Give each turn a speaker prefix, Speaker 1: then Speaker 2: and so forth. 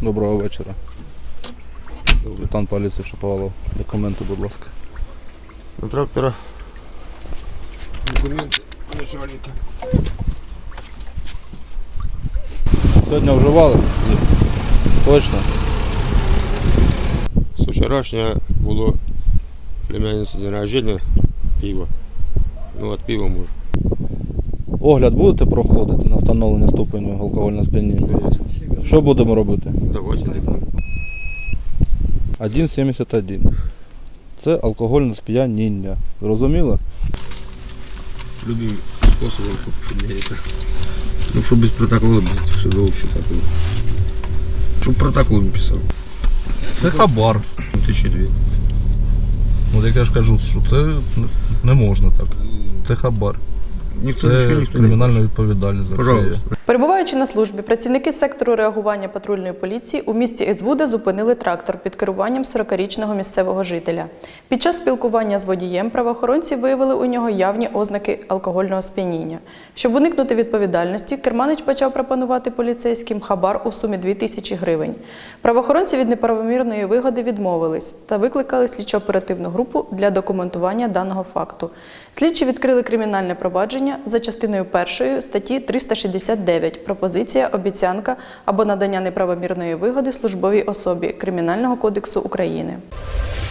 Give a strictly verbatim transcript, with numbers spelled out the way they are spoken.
Speaker 1: Доброго вечора. Капітан поліції Шаповалов. Документи, будь ласка.
Speaker 2: На трактора. Документи начальника.
Speaker 1: Сьогодні вживали?
Speaker 2: Ні.
Speaker 1: Точно?
Speaker 2: З вчорашнього було племянниці день рождения, пиво. Ну, от пива може.
Speaker 1: Огляд будете проходити на встановлення ступеню алкогольного сп'яніння? Що будемо робити?
Speaker 2: Давайте дихнемо.
Speaker 1: один сімдесят один. Це алкогольне сп'яніння. Зрозуміло?
Speaker 2: Любим способом, щоб не это. Ну, щоб без протоколу, без судового такого. Щоб протокол не писав.
Speaker 1: Це хабар.
Speaker 2: Тисячі дві.
Speaker 1: От як я ж кажу, що це не можна так. Це хабар.
Speaker 2: Ніхто
Speaker 1: Це
Speaker 2: нічого, ніхто
Speaker 1: кримінальна
Speaker 2: не
Speaker 1: відповідальність за це є.
Speaker 2: Пожалуйста.
Speaker 3: Перебуваючи на службі, працівники сектору реагування патрульної поліції у місті Ецбуда зупинили трактор під керуванням сорокарічного місцевого жителя. Під час спілкування з водієм правоохоронці виявили у нього явні ознаки алкогольного сп'яніння. Щоб уникнути відповідальності, керманич почав пропонувати поліцейським хабар у сумі дві тисячі гривень. Правоохоронці від неправомірної вигоди відмовились та викликали слідчо-оперативну групу для документування даного факту. Слідчі відкрили кримінальне провадження за частиною першої статті триста шістдесят дев'ять «Пропозиція, обіцянка або надання неправомірної вигоди службовій особі Кримінального кодексу України».